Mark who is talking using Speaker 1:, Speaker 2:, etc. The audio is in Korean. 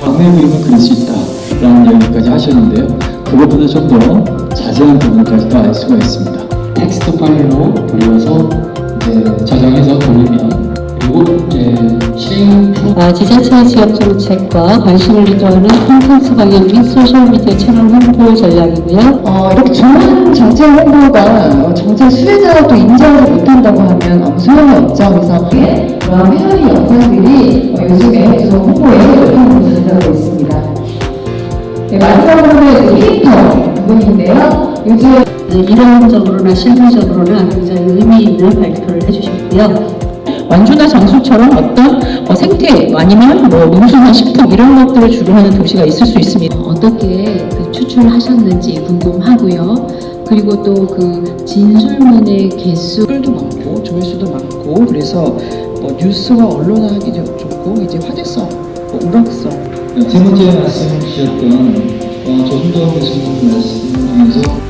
Speaker 1: 광내 그림을 그릴 수 있다라는 이야기까지 하셨는데요. 그것보다 좀 더 자세한 부분까지도 알 수가 있습니다. 텍스트 파일로 돌려서 이제 저장해서 돌리면 그리고 이제 실행
Speaker 2: 지자체 지역 정책과 관심을 유도하는 콘텐츠 방향 및 소셜미디어 채널 홍보 전략이고요.
Speaker 3: 이렇게 좋은 정책 홍보가 정책 수혜자가 또 인정을 못한다고 하면 아무 소용이 없죠. 그래서 그런 회원이 영상들이 요즘에 좀 홍보에 큰 부분을 하고 있습니다. 네, 마지막으로는 캐릭터 부분인데요. 요즘
Speaker 2: 이론적으로나 실무적으로나 굉장히 의미 있는 발표를 해주셨고요.
Speaker 4: 완주나 장수처럼 어떤 생태 아니면 농수나 식품 이런 것들을 주로 하는 도시가 있을 수 있습니다.
Speaker 2: 어떻게 추출하셨는지 궁금하고요. 그리고 또 그 진술문의 개수
Speaker 5: 댓글도 많고 조회수도 많고 그래서 뉴스와 언론화하기도 좋고 이제 화제성, 우락성.
Speaker 1: 세 번째 말씀 주셨던 조순도 교수님 말씀 중에서